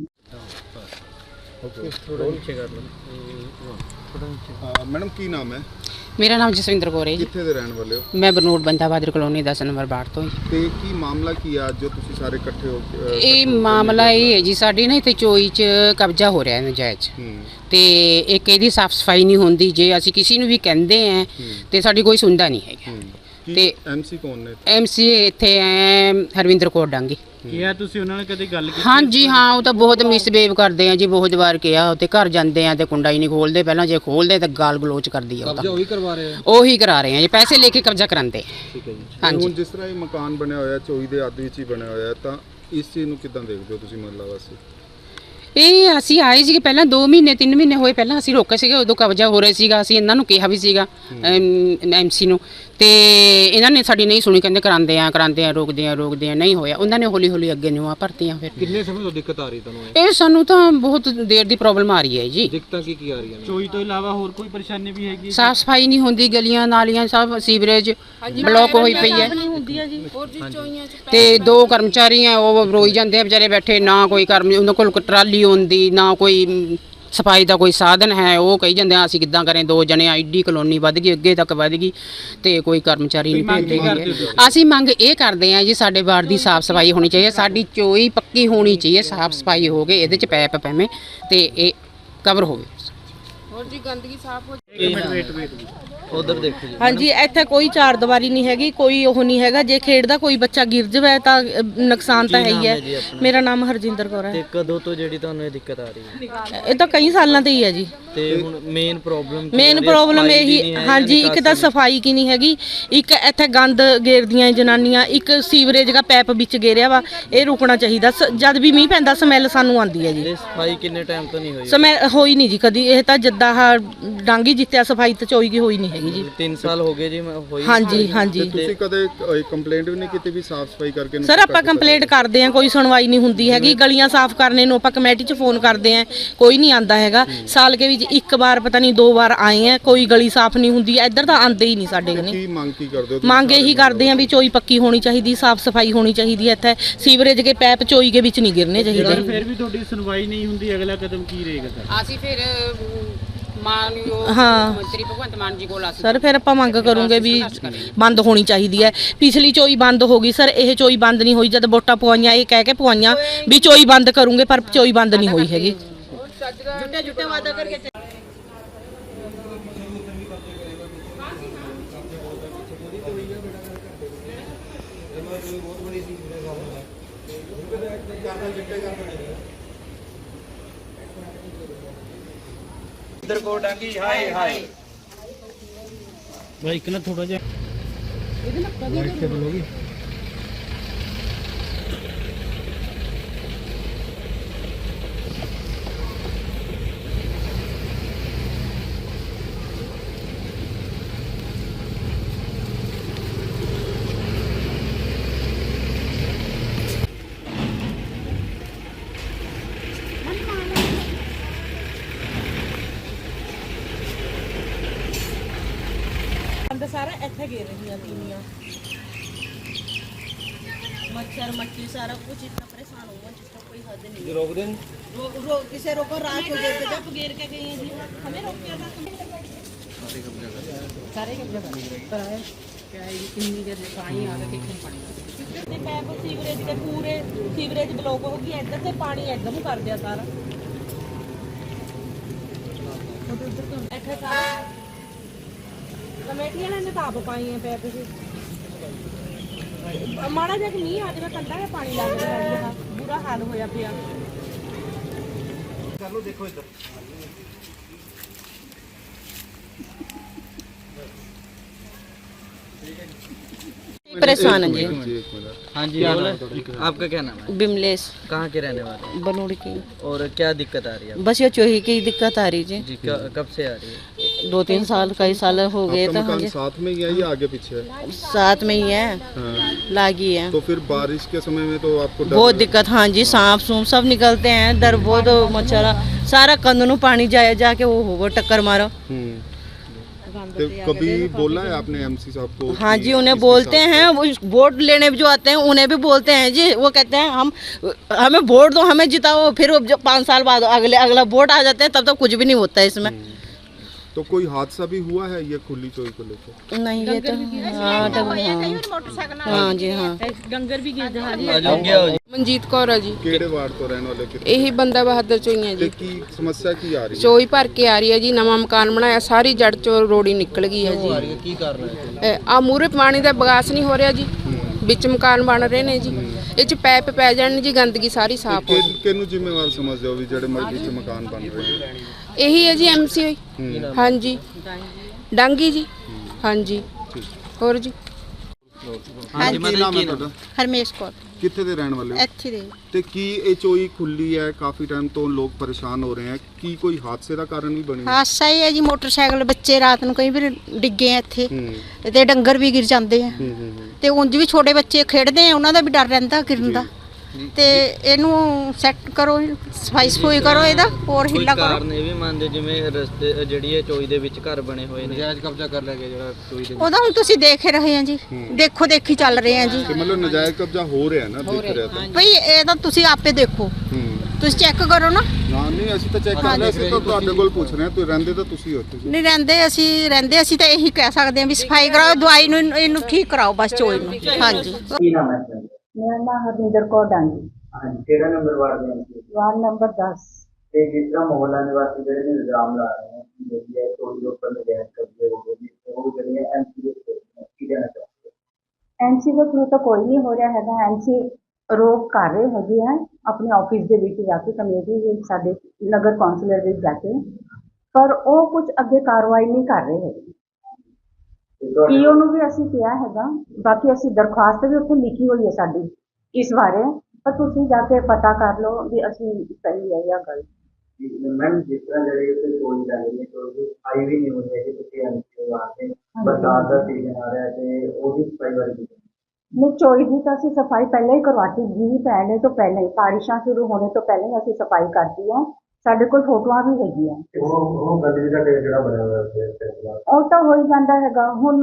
[SPEAKER 5] ਮੈਡਮ ਕੀ ਨਾਮ ਹੈ?
[SPEAKER 6] ਮੇਰਾ ਨਾਮ ਜਸਵਿੰਦਰ ਕੌਰ ਹੈ ਜੀ।
[SPEAKER 5] ਕਿੱਥੇ ਦੇ ਰਹਿਣ ਵਾਲੇ ਹੋ?
[SPEAKER 6] ਮੈਂ ਬਰਨੂੜ ਬੰਦਾ ਬਹਾਦਰ ਕਲੋਨੀ ਦਸ ਨੰਬਰ ਵਾਰਡ ਤੋਂ ਜੀ।
[SPEAKER 5] ਤੇ ਕੀ ਮਾਮਲਾ ਕੀ ਆ ਅੱਜ ਜੋ ਤੁਸੀਂ ਸਾਰੇ ਇਕੱਠੇ ਹੋ ਕੇ, ਅਹ,
[SPEAKER 6] ਇਹ ਮਾਮਲਾ ਇਹ ਹੈ ਜੀ, ਸਾਡੀ ਨਾ ਇੱਥੇ ਚੋਈ 'ਚ ਕਬਜ਼ਾ ਹੋ ਰਿਹਾ ਹੈ ਨਜਾਇਜ਼,
[SPEAKER 5] ਹੂੰ,
[SPEAKER 6] ਤੇ ਇੱਕ ਇਹਦੀ ਸਾਫ ਸਫਾਈ ਨਹੀਂ ਹੁੰਦੀ। ਜੇ ਅਸੀਂ ਕਿਸੇ ਨੂੰ ਵੀ ਕਹਿੰਦੇ ਆ ਤੇ ਸਾਡੀ ਕੋਈ ਸੁਣਦਾ ਨਹੀਂ ਹੈਗਾ।
[SPEAKER 5] ਹੂੰ। ਕੀ
[SPEAKER 6] ਤੇ
[SPEAKER 5] ਐਮਸੀ ਕੌਣ ਨੇ?
[SPEAKER 6] ਐਮਸੀ ਇੱਥੇ ਐ ਹਰਵਿੰਦਰ ਕੌਰ ਡਾਂਗੀ।
[SPEAKER 2] ਕਿਹਾ ਤੁਸੀਂ ਉਹਨਾਂ ਨਾਲ ਕਦੇ ਗੱਲ ਕੀਤੀ?
[SPEAKER 6] ਹਾਂਜੀ ਹਾਂ, ਉਹ ਤਾਂ ਬਹੁਤ ਮਿਸਬਿਹੇਵ ਕਰਦੇ ਆ ਜੀ, ਬਹੁਤ ਵਾਰ ਕਿਹਾ। ਤੇ ਘਰ ਜਾਂਦੇ ਆ ਤੇ ਕੁੰਡਾ ਹੀ ਨਹੀਂ ਖੋਲਦੇ, ਪਹਿਲਾਂ ਜੇ ਖੋਲਦੇ ਤਾਂ ਗਾਲ ਗਲੋਚ ਕਰਦੀ ਆ। ਉਹ ਤਾਂ
[SPEAKER 2] ਉਹੀ ਕਰਵਾ ਰਹੇ ਆ।
[SPEAKER 6] ਉਹੀ ਕਰਾ ਰਹੇ ਆ ਜੀ, ਪੈਸੇ ਲੈ ਕੇ ਕਬਜ਼ਾ ਕਰਾਉਂਦੇ।
[SPEAKER 2] ਠੀਕ ਹੈ ਜੀ।
[SPEAKER 5] ਤੇ
[SPEAKER 6] ਹਾਂਜੀ
[SPEAKER 5] ਹੁਣ ਜਿਸ ਤਰ੍ਹਾਂ ਇਹ ਮਕਾਨ ਬਣਿਆ ਹੋਇਆ ਚੋਈ ਦੇ ਅੱਧ ਵਿੱਚ ਹੀ ਬਣਿਆ ਹੋਇਆ, ਤਾਂ ਇਸ ਚੀਜ਼ ਨੂੰ ਕਿੱਦਾਂ ਦੇਖਦੇ ਹੋ ਤੁਸੀਂ ਮਹੱਲਾ ਵਾਸੀ?
[SPEAKER 6] ਇਹ ਅਸੀਂ ਆਏ ਸੀਗੇ ਪਹਿਲਾਂ ਦੋ ਮਹੀਨੇ ਤਿੰਨ ਮਹੀਨੇ ਹੋਏ ਪਹਿਲਾਂ ਅਸੀਂ ਰੋਕੇ ਸੀਗੇ, ਉਦੋਂ ਕਬਜ਼ਾ ਹੋ ਰਿਹਾ ਸੀਗਾ। ਅਸੀਂ ਇਹਨਾਂ ਨੂੰ ਕਿਹਾ ਵੀ ਸੀਗਾ ਐਮਸੀ ਨੂੰ, ਤੇ ਇਹਨਾਂ ਨੇ ਸਾਡੀ ਨਹੀਂ ਸੁਣੀ, ਕਹਿੰਦੇ ਕਰਾਉਂਦੇ ਆ ਕਰਾਉਂਦੇ ਆ ਰੋਕਦੇ ਆ ਰੋਕਦੇ ਆ, ਨਹੀਂ ਹੋਇਆ। ਉਹਨਾਂ ਨੇ ਹੌਲੀ ਹੌਲੀ ਅੱਗੇ ਨੂੰ ਆ ਭਰਤੀਆਂ। ਫਿਰ
[SPEAKER 2] ਕਿੰਨੇ ਸਮੇਂ ਤੋਂ ਦਿੱਕਤ ਆ ਰਹੀ ਤੁਹਾਨੂੰ ਇਹ?
[SPEAKER 6] ਇਹ ਸਾਨੂੰ ਤਾਂ ਬਹੁਤ ਦੇਰ ਦੀ ਪ੍ਰੋਬਲਮ ਆ ਰਹੀ ਹੈ ਜੀ।
[SPEAKER 2] ਦਿੱਕਤਾਂ ਕੀ ਕੀ ਆ ਰਹੀਆਂ ਨੇ? ਚੋਈ ਤੋਂ ਇਲਾਵਾ ਹੋਰ ਕੋਈ ਪਰੇਸ਼ਾਨੀ ਵੀ ਹੈਗੀ?
[SPEAKER 6] ਸਾਫ ਸਫਾਈ ਨਹੀਂ ਹੁੰਦੀ, ਗਲੀਆਂ ਨਾਲੀਆਂ ਸਭ ਸੀਵਰੇਜ ਬਲੌਕ ਹੋਈ ਪਈ ਹੈ। ਤੇ ਦੋ ਕਰਮਚਾਰੀ ਆ, ਉਹ ਰੋਈ ਜਾਂਦੇ ਆ ਵਿਚਾਰੇ ਬੈਠੇ, ਨਾ ਕੋਈ ਕਰਮ ਉਹਨਾਂ ਕੋਲ ਟਰਾਲੀ ਹੁੰਦੀ, ਨਾ ਕੋਈ ਸਫਾਈ ਦਾ ਕੋਈ ਸਾਧਨ ਹੈ। ਉਹ ਕਹੀ ਜਾਂਦੇ ਆ ਅਸੀਂ ਕਿੱਦਾਂ ਕरें, ਦੋ ਜਣੇ ਆਈਡੀ ਕਲੋਨੀ ਵੱਧ ਗਈ, ਅੱਗੇ ਤੱਕ ਵੱਧ ਗਈ, ਤੇ ਕੋਈ ਕਰਮਚਾਰੀ ਨਹੀਂ ਭੇਜਦੇ ਗਏ। ਅਸੀਂ ਮੰਗ ਇਹ ਕਰਦੇ ਆ ਜੀ, ਸਾਡੇ ਵਾਰਡ ਦੀ ਸਾਫ ਸਫਾਈ ਹੋਣੀ ਚਾਹੀਏ, ਸਾਡੀ ਚੋਈ ਪੱਕੀ ਹੋਣੀ ਚਾਹੀਏ, ਸਾਫ ਸਫਾਈ ਹੋ ਗਏ, ਇਹਦੇ ਚ ਪੈਪ ਪੈਵੇਂ ਤੇ ਇਹ ਕਵਰ ਹੋਵੇ। ਹੋਰ ਜੀ ਗੰਦਗੀ ਸਾਫ ਹੋ
[SPEAKER 2] ਉਧਰ ਦੇਖੋ ਜੀ।
[SPEAKER 4] ਹਾਂਜੀ, ਇੱਥੇ ਕੋਈ ਚਾਰ ਦੀਵਾਰੀ ਨਹੀਂ ਹੈਗੀ, ਕੋਈ ਉਹ ਨਹੀਂ ਹੈਗਾ। ਜੇ ਖੇਡਦਾ ਕੋਈ ਬੱਚਾ ਗਿਰ ਜਾਵੇ ਤਾਂ ਅ, ਨੁਕਸਾਨ ਤਾਂ ਹੈ ਹੀ ਹੈ। ਮੇਰਾ ਨਾਮ ਹਰਜਿੰਦਰ ਕੌਰ ਹੈ।
[SPEAKER 2] ਤੇ ਕਦੋਂ ਤੋਂ ਜਿਹੜੀ ਤੁਹਾਨੂੰ ਇਹ ਦਿੱਕਤ ਆ ਰਹੀ ਹੈ?
[SPEAKER 4] ਇਹ ਤਾਂ ਕਈ ਸਾਲਾਂ ਤੋਂ ਹੀ ਹੈ ਜੀ।
[SPEAKER 2] ਤੇ ਹੁਣ ਮੇਨ ਪ੍ਰੋਬਲਮ
[SPEAKER 4] ਮੇਨ ਪ੍ਰੋਬਲਮ ਇਹੀ, ਹਾਂਜੀ, ਇੱਕ ਤਾਂ ਸਫਾਈ ਕੀ ਨਹੀਂ ਹੈਗੀ, ਇੱਕ ਇੱਥੇ ਗੰਦ ਗੇਰਦੀਆਂ ਜਨਾਨੀਆਂ, ਇੱਕ ਸੀਵਰੇਜ ਦਾ ਪੈਪ ਵਿੱਚ ਗੇਰਿਆ ਵਾ, ਇਹ ਰੁਕਣਾ ਚਾਹੀਦਾ। ਸ- ਜਦ ਵੀ ਮੀਂਹ ਪੈਂਦਾ ਸਮੈਲ ਸਾਨੂੰ ਆਉਂਦੀ ਹੈ ਜੀ।
[SPEAKER 2] ਇਹ ਸਫਾਈ ਕਿੰਨੇ ਟਾਈਮ ਤੋਂ ਨਹੀਂ ਹੋਈ?
[SPEAKER 4] ਸਮੈਲ ਹੋਈ ਨਹੀਂ ਜੀ ਕਦੀ। ਇਹ ਤਾਂ ਜਿੱਦਾਂ ਆਹ ਡਾਂਗੀ ਜਿੱਤਿਆ ਸਫਾਈ ਤਾਂ ਚੋਈ ਦੀ ਹੋਈ ਨਹੀਂ ਹੈਗੀ ਜੀ।
[SPEAKER 2] ਤਿੰਨ ਸਾਲ ਹੋ ਗਏ ਜੀ ਮੈਂ ਹੋਈ।
[SPEAKER 4] ਹਾਂਜੀ ਹਾਂਜੀ
[SPEAKER 5] ਤੁਸੀਂ ਕਦੇ ਕੰਪਲੇਂਟ ਵੀ ਨਹੀਂ ਕੀਤੀ ਵੀ ਸਾਫ ਸਫਾਈ ਕਰਕੇ?
[SPEAKER 4] ਸਰ, ਆਪਾਂ ਕੰਪਲੇਂਟ ਕਰਦੇ ਆ, ਕੋਈ ਸੁਣਵਾਈ ਨਹੀਂ ਹੁੰਦੀ ਹੈਗੀ। ਗਲੀਆਂ ਸਾਫ਼ ਕਰਨੇ ਨੂੰ ਆਪਾਂ ਕਮੇਟੀ 'ਚ ਫੋਨ ਕਰਦੇ ਆ, ਕੋਈ ਨਹੀਂ ਆਂਦਾ ਹੈਗਾ। ਸਾਲ ਕੇ ਵਿੱਚ ਇੱਕ ਵਾਰ ਪਤਾ ਨਹੀਂ ਦੋ ਵਾਰ ਆਏ ਆ, ਕੋਈ ਗਲੀ ਸਾਫ਼ ਨਹੀਂ ਹੁੰਦੀ। ਇੱਧਰ ਤਾਂ ਆਂਦੇ ਹੀ ਨਹੀਂ ਸਾਡੇ ਕਨੇ।
[SPEAKER 5] ਕੀ ਮੰਗ ਕੀ ਕਰਦੇ ਹੋ ਤੁਸੀਂ?
[SPEAKER 4] ਮੰਗ ਇਹੀ ਕਰਦੇ ਆ ਵੀ ਚੋਈ ਪੱਕੀ ਹੋਣੀ ਚਾਹੀਦੀ, ਸਾਫ਼ ਸਫਾਈ ਹੋਣੀ ਚਾਹੀਦੀ ਹੈ। ਇੱਥੇ ਸੀਵਰੇਜ ਦੇ ਪੈਪ ਚੋਈ ਦੇ ਵਿੱਚ ਨਹੀਂ ਗਿਰਨੇ ਚਾਹੀਦੇ।
[SPEAKER 2] ਫਿਰ ਵੀ ਤੁਹਾਡੀ ਸੁਣਵਾਈ ਨਹੀਂ ਹੁੰਦੀ, ਅਗਲਾ ਕਦਮ ਕੀ ਰਹੇਗਾ ਸਰ?
[SPEAKER 6] ਅਸੀਂ ਫਿਰ ਮਾਨਯੋਗ
[SPEAKER 4] ਹਾਂ।
[SPEAKER 6] ਮੰਤਰੀ ਭਗਵੰਤ ਮਾਨ ਜੀ ਕੋਲ ਅਸੀਂ
[SPEAKER 4] ਸਰ ਫਿਰ ਆਪਾਂ ਮੰਗ ਕਰੂੰਗੇ ਵੀ ਬੰਦ ਹੋਣੀ ਚਾਹੀਦੀ ਹੈ। ਪਿਛਲੀ ਚੋਈ ਬੰਦ ਹੋ ਗਈ ਸਰ, ਇਹ ਚੋਈ ਬੰਦ ਨਹੀਂ ਹੋਈ। ਜਦ ਵੋਟਾਂ ਪਵਾਈਆਂ ਇਹ ਕਹਿ ਕੇ ਪਵਾਈਆਂ ਵੀ ਚੋਈ ਬੰਦ ਕਰੂੰਗੇ, ਪਰ ਚੋਈ ਬੰਦ ਨਹੀਂ ਹੋਈ ਹੈਗੀ। ਜੁੱਟੇ ਜੁੱਟੇ ਵਾਦਾ ਕਰਕੇ
[SPEAKER 2] ਇੱਧਰ ਕੋ ਡਾਂਗੀ ਹਾਏ ਹਾਏ ਭਾਈ, ਇੱਕ ਨਾ ਥੋੜਾ ਜਿਹਾ ਇਹਦੇ ਨਾਲ ਲਾਈਟ ਤੇ ਬਲੋਗੀ।
[SPEAKER 4] ਸਾਰਾ ਇੱਥੇ ਗੇਰ ਰਹੀਆਂ ਤੀਵੀਆਂ। मच्छर मक्खी सारा कुछ इतना परेशान हुआ जिसका कोई हद नहीं।
[SPEAKER 2] रोक दें
[SPEAKER 4] रो, रो, किसे रोको रात को घेर के जब घेर के गई हैं जी हमें रोक दिया था। सारे कब्जा कर है क्या है ये कितनी देर से पानी आ गया कितने पानी ਤੇ ਪੈਪ ਸੀਵਰੇਜ ਦੇ ਪੂਰੇ ਸੀਵਰੇਜ ਬਲੌਕ ਹੋ ਗਈ ਇੱਧਰ ਤੇ ਪਾਣੀ ਇੱਧਰ ਨੂੰ ਕਰ ਦਿਆ ਸਾਰਾ ਇੱਥੇ ਸਾਰਾ ਕਮੇਟੀਆਂ ਨੇ ਤਾਂ ਆਪ ਪਾਈ ਹੈ ਪੈਪ ਸੀ ਮਾੜਾ ਜਿਹਾ ਮੀਂਹ ਆ ਜਾਵੇ ਕੰਡਾ ਹੈ ਪਾਣੀ ਲੱਗ ਰਿਹਾ ਬੁਰਾ ਹਾਲ ਹੋਇਆ ਪਿਆ।
[SPEAKER 2] चलो देखो इधर
[SPEAKER 4] परेशान है जी।
[SPEAKER 8] हाँ जी आपका क्या नाम है?
[SPEAKER 4] बिमलेश
[SPEAKER 8] कहाँ के रहने वाले हैं?
[SPEAKER 4] बनूड़ की।
[SPEAKER 8] और क्या दिक्कत आ रही है?
[SPEAKER 4] बस ये चोही की दिक्कत आ रही जी।
[SPEAKER 8] जी क- कब से आ रही है?
[SPEAKER 4] दो तीन साल कई साल हो गए
[SPEAKER 5] आपका
[SPEAKER 4] तो हाँ
[SPEAKER 5] मकान
[SPEAKER 4] जी
[SPEAKER 5] साथ में ही है या आगे पीछे है?
[SPEAKER 4] साथ में ही है
[SPEAKER 5] हाँ।
[SPEAKER 4] लागी है।
[SPEAKER 5] तो फिर बारिश के समय में तो आपको डर
[SPEAKER 4] बहुत
[SPEAKER 5] है।
[SPEAKER 4] दिक्कत हाँ जी सांप सूप सब निकलते हैं दर बहुत मच्छर सारा कंध नू पानी जाए जाके वो हो टक्कर मारो।
[SPEAKER 5] हम्म। तो कभी बोला है आपने एमसी साहब को?
[SPEAKER 4] हाँ
[SPEAKER 5] कि
[SPEAKER 4] जी उन्हें
[SPEAKER 5] इसके
[SPEAKER 4] बोलते
[SPEAKER 5] साथ-
[SPEAKER 4] हैं वो वोट लेने जो आते हैं उन्हें भी बोलते हैं जी वो कहते हैं हम हमें वोट दो हमें जिताओ फिर वो जब पाँच साल बाद अगले अगला वोट आ जाते हैं तब तक कुछ भी नहीं होता है इसमें।
[SPEAKER 5] तो कोई हादसा भी हुआ है ये खुली चोई को लेकर?
[SPEAKER 4] नहीं ये तो हाँ डंगर हाँ हाँ जी हाँ डंगर भी गिर
[SPEAKER 8] आ जाओ क्या हो जी?
[SPEAKER 9] ਮਨਜੀਤ ਕੌਰ ਆ ਜੀ
[SPEAKER 5] केड़े वार्ड तो रहने वाले कितने?
[SPEAKER 9] ਇਹੀ ਬੰਦਾ ਬਹਾਦਰ ਚੋਂ ਹੀ ਆ
[SPEAKER 5] ਤੇ
[SPEAKER 9] ਜੀ
[SPEAKER 5] ਕੀ ਸਮੱਸਿਆ ਕੀ ਆ ਰਹੀ ਹੈ?
[SPEAKER 9] ਚੋਈ ਭਰ ਕੇ ਆ ਰਹੀ ਹੈ ਜੀ ਨਵਾਂ ਮਕਾਨ ਬਣਾਇਆ ਸਾਰੀ ਜੜ ਚੋਂ ਰੋੜੀ ਨਿਕਲ ਗਈ ਹੈ
[SPEAKER 8] आ रही है की कर रहे हैं?
[SPEAKER 9] ਜੀ ਆ ਮੂਰੇ ਪਾਣੀ ਦਾ ਬਗਾਸ ਨਹੀਂ ਹੋ ਰਿਹਾ ਜੀ ਵਿੱਚ ਮਕਾਨ ਬਣ ਰਹੇ ਨੇ ਜੀ ਇਹ ਚ ਪੈਪ ਪੈ ਜਾਣ ਜੀ ਗੰਦਗੀ ਸਾਰੀ ਸਾਫ਼ ਹੋ
[SPEAKER 5] ਕਿ ਕਿਹਨੂੰ ਜ਼ਿੰਮੇਵਾਰ ਸਮਝਦੇ ਹੋ ਵੀ ਜਿਹੜੇ ਮਰਜ਼ੀ ਚ ਮਕਾਨ ਬਣ ਰਹੇ ਨੇ?
[SPEAKER 9] ਇਹੀ ਹੈ ਜੀ ਐਮਸੀ ਹਾਂਜੀ ਡਾਂਗੀ ਜੀ ਹਾਂਜੀ ਹੋਰ ਜੀ
[SPEAKER 5] ਹਾਂ ਜੀ ਕੀ ਨਾਮ ਹੈ ਤੁਹਾਡਾ?
[SPEAKER 10] ਹਰਮੇਸ਼ ਕੌਰ
[SPEAKER 5] ਕਿੱਥੇ ਦੇ ਰਹਿਣ ਵਾਲੇ ਹੋ?
[SPEAKER 10] ਇੱਥੇ ਦੇ
[SPEAKER 5] ਤੇ ਕੀ ਇਹ ਚੋਈ ਖੁੱਲੀ ਹੈ ਕਾਫੀ ਟਾਈਮ ਤੋਂ ਲੋਕ ਪਰੇਸ਼ਾਨ ਹੋ ਰਹੇ ਹੈ ਕੀ ਕੋਈ ਹਾਦਸੇ ਦਾ ਕਾਰਨ ਵੀ ਬਣੀ ਹੈ?
[SPEAKER 10] ਹਾਦਸਾ ਹੀ ਹੈ ਜੀ ਮੋਟਰਸਾਈਕਲ ਬੱਚੇ ਰਾਤ ਨੂੰ ਕਈ ਵਾਰ ਡਿੱਗੇ ਆ ਇੱਥੇ
[SPEAKER 5] ਹੂੰ
[SPEAKER 10] ਤੇ ਡੰਗਰ ਵੀ ਗਿਰ ਜਾਂਦੇ ਆ
[SPEAKER 5] ਹੂੰ ਹੂੰ ਹੂੰ।
[SPEAKER 10] ਤੇ ਉਂਝ ਵੀ ਛੋਟੇ ਬੱਚੇ ਖੇਡਦੇ ਆ ਉਹਨਾਂ ਦਾ ਵੀ ਡਰ ਰਹਿੰਦਾ ਗਿਰਨ ਦਾ ਤੇ ਇਹਨੂੰ ਸੈੱਟ ਕਰੋ ਸਫਾਈ ਸਫੂਈ ਕਰੋ ਇਹਦਾ ਹੋਰ
[SPEAKER 8] ਕੋਈ
[SPEAKER 10] ਹਿੱਲਾ ਕਰੋ।
[SPEAKER 8] ਕਾਰਨ ਇਹ ਵੀ ਮੰਨਦੇ ਜਿਵੇਂ ਰਸਤੇ ਜਿਹੜੀ ਇਹ ਚੋਈ ਦੇ ਵਿੱਚ ਘਰ ਬਣੇ ਹੋਏ ਨੇ
[SPEAKER 2] नजायज कब्जा कर लिया गया जरा चोई दे
[SPEAKER 10] ਉਹਦਾ ਹੁਣ ਤੁਸੀਂ ਦੇਖ ਹੀ ਰਹੇ ਆ ਜੀ ਦੇਖੋ ਦੇਖੀ ਚੱਲ ਰਹੇ ਆ ਜੀ
[SPEAKER 5] ਤੇ ਮਤਲਬ ਨਜਾਇਜ਼ ਕਬਜ਼ਾ ਹੋ ਰਿਹਾ ਨਾ ਦਿਖ ਰਿਹਾ ਤਾਂ
[SPEAKER 10] ਭਈ ਇਹਦਾ ਤੁਸੀਂ ਆਪੇ ਦੇਖੋ
[SPEAKER 5] ਹੂੰ
[SPEAKER 10] ਤੁਸੀਂ ਚੈੱਕ ਕਰੋ ਨਾ।
[SPEAKER 5] ਨਾ ਨਹੀਂ ਅਸੀਂ ਤਾਂ ਚੈੱਕ ਕਰ ਲਿਆ ਅਸੀਂ ਤਾਂ ਤੁਹਾਡੇ ਕੋਲ ਪੁੱਛ ਰਹੇ ਹਾਂ ਤੁਸੀਂ ਰਹਿੰਦੇ ਤਾਂ ਤੁਸੀਂ ਹੋ ਤੁਸੀਂ
[SPEAKER 10] ਨਹੀਂ ਰਹਿੰਦੇ ਅਸੀਂ ਰਹਿੰਦੇ ਅਸੀਂ ਤਾਂ ਇਹੀ ਕਹਿ ਸਕਦੇ ਹਾਂ ਵੀ ਸਫਾਈ ਕਰਾਓ ਦਵਾਈ ਨੂੰ ਇਹਨੂੰ ਠੀਕ ਕਰਾਓ ਬਸ ਚੋਈ ਨੂੰ ਹਾਂਜੀ।
[SPEAKER 1] ਕੀ ਨਾਮ ਹੈ ਤੁਹਾਡਾ?
[SPEAKER 7] ਮੇਰਾ ਨਾਮ ਹਰਵਿੰਦਰ ਕੌਰ ਡਾਂਗੀ
[SPEAKER 1] ਹਾਂਜੀ ਕਿਹੜਾ ਨੰਬਰ ਵਾਰਡ ਦੇ ਅੰਦਰ?
[SPEAKER 7] ਵਾਰਡ ਨੰਬਰ ਦਸ।
[SPEAKER 1] ਤੇ ਜਿਸ ਤਰ੍ਹਾਂ ਮੁਹੱਲਾ ਨਿਵਾਸੀ ਜਿਹੜੇ ਨੇ ਇਲਜ਼ਾਮ ਲਾ ਰਹੇ ਹਨ ਕਿ ਜਿਹੜੀ ਹੈ ਚੋਰੀ ਦੇ ਉੱਪਰ ਨਜਾਇਜ਼ ਕਬਜ਼ੇ ਹੋ ਗਏ ਨੇ ਉਹ ਜਿਹੜੇ ਹੈ ਐਮਸੀ ਦੇ ਉੱਤੇ ਕੀ ਕਹਿਣਾ ਚਾਹੁੰਦੇ ਹੋ?
[SPEAKER 7] ਐਮਸੀ ਦੇ ਥਰੂ ਤਾਂ ਕੋਈ ਨਹੀਂ ਹੋ ਰਿਹਾ ਹੈਗਾ ਐਮਸੀ ਰੋਕ ਕਰ ਰਹੇ ਹੈਗੇ ਆ ਆਪਣੇ ਆਫਿਸ ਦੇ ਵਿੱਚ ਜਾ ਕੇ ਕਮੇਟੀ ਵਿੱਚ ਸਾਡੇ ਨਗਰ ਕੌਂਸਲਰ ਵਿੱਚ ਜਾ ਕੇ ਪਰ ਉਹ ਕੁਝ ਅੱਗੇ ਕਾਰਵਾਈ ਨਹੀਂ ਕਰ ਰਹੇ ਹੈਗੇ।
[SPEAKER 1] ਤੇ ਤੁਹਾਡੇ
[SPEAKER 7] ਈਓ ਨੂੰ ਵੀ ਅਸੀਂ ਕਿਹਾ ਹੈਗਾ ਬਾਕੀ ਅਸੀਂ ਦਰਖਾਸਤ ਵੀ ਉੱਥੇ ਲਿਖੀ ਹੋਈ ਹੈ ਸਾਡੀ ਇਸ ਬਾਰੇ ਪਰ ਤੁਸੀਂ ਜਾ ਕੇ ਪਤਾ ਕਰ ਲਓ ਵੀ ਅਸੀਂ ਸਹੀ ਹੈ ਜਾਂ ਗਲਤ।
[SPEAKER 1] ਮੈਮ ਜਿਸ ਤਰ੍ਹਾਂ ਜਿਹੜੇ ਉੱਤੇ ਚੋਰੀ ਲੱਗ ਰਹੀ ਹੈ ਚੋਰੀ ਆਈ ਵੀ ਨਹੀਂ ਹੋਈ ਹੈ ਕਿ ਤੁਸੀਂ ਐਮਸੀ ਵਾਸਤੇ ਬਰਸਾਤ ਦਾ ਸੀਜ਼ਨ ਆ ਰਿਹਾ ਤੇ ਉਹਦੀ ਸਫਾਈ ਬਾਰੇ ਕੀ ਕਹਿਣਾ?
[SPEAKER 7] ਨਹੀਂ ਚੋਈ ਦੀ ਤਾਂ ਅਸੀਂ ਸਫਾਈ ਪਹਿਲਾਂ ਹੀ ਕਰਵਾਤੀ ਜੀ ਪਹਿਲੇ ਤੋਂ ਪਹਿਲਾਂ ਹੀ ਬਾਰਿਸ਼ਾਂ ਸ਼ੁਰੂ ਹੋਣੇ ਤੋਂ ਪਹਿਲਾਂ ਹੀ ਅਸੀਂ ਸਫਾਈ ਕਰਤੀ ਹੈ ਸਾਡੇ ਕੋਲ ਫੋਟੋਆਂ ਵੀ ਹੈਗੀਆਂ।
[SPEAKER 1] ਤੇ ਉਹ ਉਹ ਗੰਦਗੀ ਦਾ ਢੇਰ ਜਿਹੜਾ ਬਣਿਆ ਹੋਇਆ ਹੈ ਇਸ ਤਰ੍ਹਾਂ
[SPEAKER 7] ਉਹ ਤਾਂ ਹੋ ਹੀ ਜਾਂਦਾ ਹੈਗਾ ਹੁਣ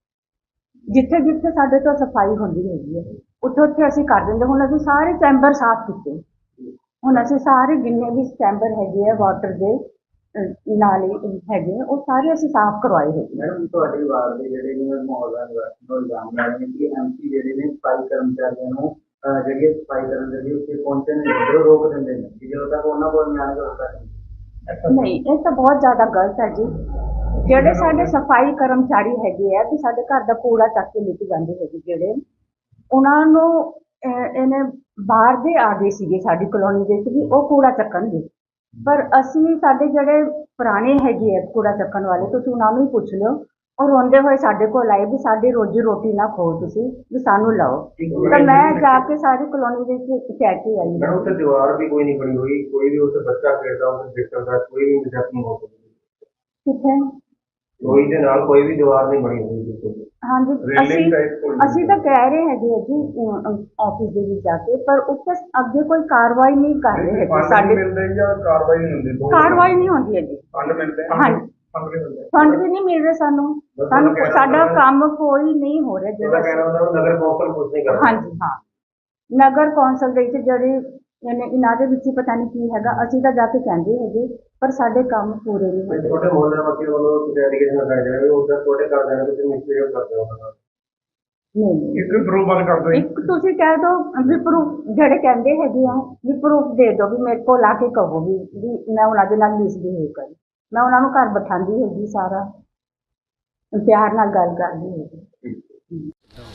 [SPEAKER 7] ਜਿੱਥੇ ਜਿੱਥੇ ਸਾਡੇ ਤੋਂ ਸਫਾਈ ਹੁੰਦੀ ਹੈਗੀ ਹੈ ਉੱਥੇ ਉੱਥੇ ਅਸੀਂ ਕਰ ਦਿੰਦੇ ਹੁਣ ਅਸੀਂ ਸਾਰੇ ਚੈਂਬਰ ਸਾਫ਼ ਕੀਤੇ ਹੁਣ ਅਸੀਂ ਸਾਰੇ ਜਿੰਨੇ ਵੀ ਚੈਂਬਰ ਹੈਗੇ ਆ ਵਾਟਰ ਦੇ ਅਹ, ਨਾਲੇ ਹੈਗੇ ਉਹ ਸਾਰੇ ਅਸੀਂ ਸਾਫ਼ ਕਰਵਾਏ ਹੈਗੇ।
[SPEAKER 1] ਮੈਡਮ ਤੁਹਾਡੇ ਵਾਰਡ ਦੇ ਜਿਹੜੇ ਨੇ ਮੁਹੱਲਾ ਨਿਵਾਸੀ ਨੂੰ ਇਲਜ਼ਾਮ ਲਾ ਰਹੇ ਨੇ ਕਿ ਐਮਸੀ ਜਿਹੜੇ ਨੇ ਸਫਾਈ ਕਰਮਚਾਰੀਆਂ ਨੂੰ ਅਹ, ਜਿਹੜੀ ਹੈ ਸਫਾਈ ਕਰਨ ਦੇ ਲਈ ਉੱਥੇ ਪਹੁੰਚਣ ਨਹੀਂ ਦਿੰਦੇ, ਰੋਕ ਦਿੰਦੇ ਨੇ ਕਿ ਜਦੋਂ ਤੱਕ ਉਹਨਾਂ ਕੋਲ ਨਿਆਂ ਨਹੀਂ ਹੁੰਦਾ ਨਹੀਂ।
[SPEAKER 7] ਨਹੀਂ ਇਹ ਤਾਂ ਬਹੁਤ ਜ਼ਿਆਦਾ ਗਲਤ ਹੈ ਜੀ ਜਿਹੜੇ ਸਾਡੇ ਸਫਾਈ ਕਰਮਚਾਰੀ ਹੈਗੇ ਆ ਕਿ ਸਾਡੇ ਘਰ ਦਾ ਕੂੜਾ ਚੱਕ ਕੇ ਲੈ ਕੇ ਜਾਂਦੇ ਹੈਗੇ ਜਿਹੜੇ ਉਹਨਾਂ ਨੂੰ ਅਹ, ਇਹਨੇ ਬਾਹਰ ਦੇ ਆ ਗਏ ਸੀਗੇ ਸਾਡੀ ਕਲੋਨੀ ਦੇ ਵਿੱਚ ਵੀ ਉਹ ਕੂੜਾ ਚੱਕਣਗੇ ਪਰ ਅਸੀਂ ਸਾਡੇ ਜਿਹੜੇ ਪੁਰਾਣੇ ਹੈਗੇ ਆ ਕੂੜਾ ਚੱਕਣ ਵਾਲੇ ਤੁਸੀਂ ਉਹਨਾਂ ਨੂੰ ਹੀ ਪੁੱਛ ਲਿਓ ਉਹ ਰੋਂਦੇ ਹੋਏ ਸਾਡੇ ਕੋਲ ਆਏ ਵੀ ਸਾਡੀ ਰੋਜੀ ਰੋਟੀ ਨਾ ਖੋ ਤੁਸੀਂ ਵੀ ਸਾਨੂੰ ਲਾਓ ਤਾਂ ਮੈਂ ਜਾ ਕੇ ਸਾਰੀ ਕਲੋਨੀ ਦੇ ਵਿੱਚ ਕਹਿ ਕੇ ਆਈ
[SPEAKER 1] ਮੈਡਮ ਉੱਥੇ ਦੀਵਾਰ ਵੀ ਕੋਈ ਨਹੀਂ ਬਣੀ ਹੋਈ ਕੋਈ ਵੀ ਉੱਥੇ ਬੱਚਾ ਖੇਡਦਾ ਉੱਥੇ ਦੇਖ ਸਕਦਾ ਕੋਈ ਵੀ ਨਜਾਇਜ਼ ਨਹੀਂ ਹੋ ਸਕਦੀ
[SPEAKER 7] ਕਿੱਥੇ
[SPEAKER 1] ਕੋਈ ਦੇ ਨਾਲ ਕੋਈ ਵੀ ਦੀਵਾਰ ਨਹੀਂ ਬਣੀ ਹੋਈ ਬਿਲਕੁਲ
[SPEAKER 7] ਹਾਂਜੀ ਅਸੀਂ ਅਸੀਂ ਤਾਂ ਕਹਿ ਰਹੇ ਹੈਗੇ ਆ ਜੀ ਆਫਿਸ ਦੇ ਵਿੱਚ ਜਾ ਕੇ ਪਰ ਉੱਥੇ ਅੱਗੇ ਕੋਈ ਕਾਰਵਾਈ ਨਹੀਂ ਕਰ ਰਹੇ ਹੈਗੇ ਸਾਡੇ
[SPEAKER 1] ਮਿਲਦੇ ਜਾਂ ਕਾਰਵਾਈ ਨਹੀਂ ਹੁੰਦੀ
[SPEAKER 7] ਕਾਰਵਾਈ ਨਹੀਂ ਹੁੰਦੀ ਹੈ ਜੀ
[SPEAKER 1] ਫੰਡ ਮਿਲਦੇ
[SPEAKER 7] ਹਾਂਜੀ
[SPEAKER 1] ਫੰਡ ਨਹੀਂ ਮਿਲਦੇ
[SPEAKER 7] ਫੰਡ ਵੀ ਨਹੀਂ ਮਿਲ ਰਹੇ ਸਾਨੂੰ ਸਾਨੂੰ ਸਾਡਾ ਕੰਮ ਕੋਈ ਨਹੀਂ ਹੋ ਰਿਹਾ ਜਿਹੜਾ
[SPEAKER 1] ਹੁੰਦਾ ਨਗਰ ਕੌਂਸਲ ਕੁਝ ਨਹੀਂ ਕਰਦਾ
[SPEAKER 7] ਹਾਂਜੀ ਹਾਂ ਨਗਰ ਕੌਂਸਲ ਦੇ ਵਿੱਚ ਜਿਹੜੇ ਇਹਨੇ ਇਹਨਾਂ ਦੇ ਵਿੱਚ ਹੀ ਪਤਾ ਨਹੀਂ ਕੀ ਹੈਗਾ, ਅਸੀਂ ਤਾਂ ਜਾ ਕੇ ਕਹਿੰਦੇ ਹੈਗੇ ਪਰ ਸਾਡੇ ਕੰਮ ਪੂਰੇ ਨਹੀਂ ਹੁੰਦੇ।
[SPEAKER 1] ਛੋਟੇ ਮੁਹੱਲੇ ਵਾਸੀ ਵੱਲੋਂ ਤੁਸੀਂ ਐਲੀਗੇਸ਼ਨ ਲਗਾਏ ਜਾ ਰਹੇ ਹੋ, ਉਹਦਾ ਛੋਟੇ ਕਰਦੇ ਨੇ ਤੁਸੀਂ ਮਿਸਬੀਹੇਵ ਕਰਦੇ ਹੋ ਉਹਨਾਂ ਨਾਲ।
[SPEAKER 7] ਨਹੀਂ
[SPEAKER 1] ਇੱਕ ਪ੍ਰੂਫ ਬੰਦ ਕਰ ਦਿਓ।
[SPEAKER 7] ਇੱਕ ਤੁਸੀਂ ਕਹਿ ਦੋ ਵੀ ਪ੍ਰੂਫ ਜਿਹੜੇ ਕਹਿੰਦੇ ਹੈਗੇ ਆ ਵੀ ਪ੍ਰੂਫ ਦੇ ਦਿਓ, ਵੀ ਮੇਰੇ ਕੋਲ ਆ ਕੇ ਕਹੋ ਵੀ ਵੀ ਮੈਂ ਉਹਨਾਂ ਦੇ ਨਾਲ ਮਿਸਬੀਹੇਵ ਕਰੀ। ਮੈਂ ਉਹਨਾਂ ਨੂੰ ਘਰ ਬਿਠਾਉਂਦੀ ਹੈਗੀ, ਸਾਰਾ ਪਿਆਰ ਨਾਲ ਗੱਲ ਕਰਦੀ ਹੈਗੀ।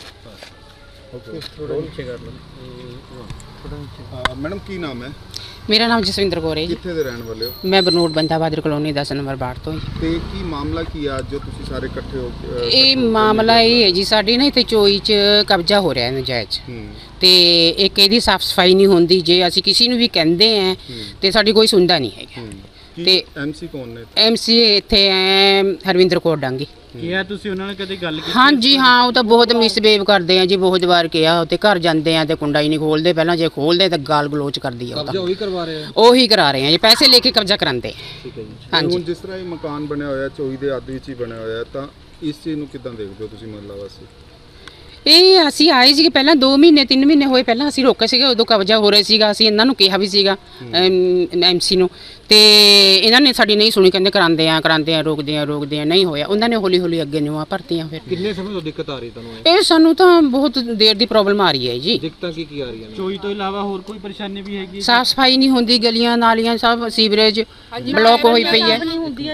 [SPEAKER 5] ਮੈਡਮ ਕੀ ਨਾਮ ਹੈ?
[SPEAKER 6] ਮੇਰਾ ਨਾਮ ਜਸਵਿੰਦਰ ਕੌਰ ਹੈ ਜੀ।
[SPEAKER 5] ਕਿੱਥੇ ਦੇ ਰਹਿਣ ਵਾਲੇ ਹੋ?
[SPEAKER 6] ਮੈਂ ਬਰਨੋਟ ਬੰਦਾ ਬਾਦਰ ਕਲੋਨੀ ਦਸ ਨੰਬਰ ਬਾੜ ਤੋਂ।
[SPEAKER 5] ਤੇ ਕੀ ਮਾਮਲਾ ਕੀ ਆ ਅੱਜ ਜੋ ਤੁਸੀਂ ਸਾਰੇ ਇਕੱਠੇ ਹੋ ਕੇ, ਅਹ,
[SPEAKER 6] ਇਹ
[SPEAKER 5] ਇਕੱਠੇ ਹੋ ਕੇ
[SPEAKER 6] ਮਾਮਲਾ ਇਹ ਹੈ ਜੀ, ਸਾਡੀ ਨਾ ਇੱਥੇ ਚੋਈ 'ਚ ਕਬਜ਼ਾ ਹੋ ਰਿਹਾ ਹੈ ਨਜਾਇਜ਼,
[SPEAKER 5] ਹੂੰ,
[SPEAKER 6] ਤੇ ਇੱਕ ਇਹਦੀ ਸਾਫ ਸਫਾਈ ਨਹੀਂ ਹੁੰਦੀ। ਜੇ ਅਸੀਂ ਕਿਸੇ ਨੂੰ ਵੀ ਕਹਿੰਦੇ ਆ ਤੇ ਸਾਡੀ ਕੋਈ ਸੁਣਦਾ ਨਹੀਂ ਹੈਗਾ।
[SPEAKER 5] ਹੂੰ। ਕੀ
[SPEAKER 6] ਤੇ
[SPEAKER 5] ਐਮਸੀ ਕੌਣ ਨੇ?
[SPEAKER 6] ਐਮਸੀਏ ਇੱਥੇ ਐ ਹਰਵਿੰਦਰ ਕੌਰ ਡਾਂਗੀ।
[SPEAKER 2] ਕੀ ਆ ਤੁਸੀਂ ਉਹਨਾਂ ਨਾਲ ਕਦੇ ਗੱਲ ਕੀਤੀ?
[SPEAKER 6] ਹਾਂਜੀ ਹਾਂ, ਉਹ ਤਾਂ ਬਹੁਤ ਮਿਸਬਿਹੇਵ ਕਰਦੇ ਆ ਜੀ, ਬਹੁਤ ਵਾਰ ਕਿਹਾ। ਉੱਤੇ ਘਰ ਜਾਂਦੇ ਆ ਤੇ ਕੁੰਡਾ ਹੀ ਨਹੀਂ ਖੋਲਦੇ, ਪਹਿਲਾਂ ਜੇ ਖੋਲਦੇ ਤਾਂ ਗਾਲ ਗਲੋਚ ਕਰਦੀ ਆ। ਉਹ ਤਾਂ
[SPEAKER 2] ਉਹੀ ਕਰਵਾ ਰਹੇ ਆ।
[SPEAKER 6] ਉਹੀ ਕਰਾ ਰਹੇ ਆ ਜੀ, ਪੈਸੇ ਲੈ ਕੇ ਕਬਜ਼ਾ ਕਰਾਉਂਦੇ ਆ।
[SPEAKER 2] ਠੀਕ ਹੈ ਜੀ।
[SPEAKER 5] ਤੇ
[SPEAKER 6] ਹਾਂਜੀ
[SPEAKER 5] ਹੁਣ ਜਿਸ ਤਰ੍ਹਾਂ ਇਹ ਮਕਾਨ ਬਣਿਆ ਹੋਇਆ ਚੋਈ ਦੇ ਅੱਧ ਵਿੱਚ ਹੀ ਬਣਿਆ ਹੋਇਆ, ਤਾਂ ਇਸ ਚੀਜ਼ ਨੂੰ ਕਿੱਦਾਂ ਦੇਖਦੇ ਹੋ ਤੁਸੀਂ ਮਹੱਲਾ ਵਾਸੀ?
[SPEAKER 6] ਇਹ ਅਸੀਂ ਆਏ ਸੀਗੇ ਪਹਿਲਾਂ ਦੋ ਮਹੀਨੇ ਤਿੰਨ ਮਹੀਨੇ ਹੋਏ ਪਹਿਲਾਂ ਅਸੀਂ ਰੋਕੇ ਸੀਗੇ, ਉਦੋਂ ਕਬਜ਼ਾ ਹੋ ਰਿਹਾ ਸੀਗਾ। ਅਸੀਂ ਇਹਨਾਂ ਨੂੰ ਕਿਹਾ ਵੀ ਸੀਗਾ ਐਮਸੀ ਨੂੰ, ਤੇ ਇਹਨਾਂ ਨੇ ਸਾਡੀ ਨਹੀਂ ਸੁਣੀ, ਕਹਿੰਦੇ ਕਰਾਉਂਦੇ ਆ ਕਰਾਉਂਦੇ ਆ ਰੋਕਦੇ ਆ ਰੋਕਦੇ ਆ, ਨਹੀਂ ਹੋਇਆ। ਉਹਨਾਂ ਨੇ ਹੌਲੀ ਹੌਲੀ ਅੱਗੇ ਨਿਊਆਂ ਭਰਤੀਆਂ। ਫਿਰ
[SPEAKER 2] ਕਿੰਨੇ ਸਮੇਂ ਤੋਂ ਦਿੱਕਤ ਆ ਰਹੀ ਤੁਹਾਨੂੰ?
[SPEAKER 6] ਇਹ ਸਾਨੂੰ ਤਾਂ ਬਹੁਤ ਦੇਰ ਦੀ ਪ੍ਰੋਬਲਮ ਆ ਰਹੀ ਹੈ ਜੀ।
[SPEAKER 2] ਦਿੱਕਤਾਂ ਕੀ ਕੀ ਆ ਰਹੀਆਂ ਨੇ? ਚੋਈ ਤੋਂ ਇਲਾਵਾ ਹੋਰ ਕੋਈ ਪਰੇਸ਼ਾਨੀ ਵੀ ਹੈਗੀ?
[SPEAKER 6] ਸਾਫ ਸਫਾਈ ਨਹੀਂ ਹੁੰਦੀ, ਗਲੀਆਂ ਨਾਲੀਆਂ ਸਭ ਸੀਵਰੇਜ ਬਲੌਕ ਹੋਈ ਪਈ ਹੈ।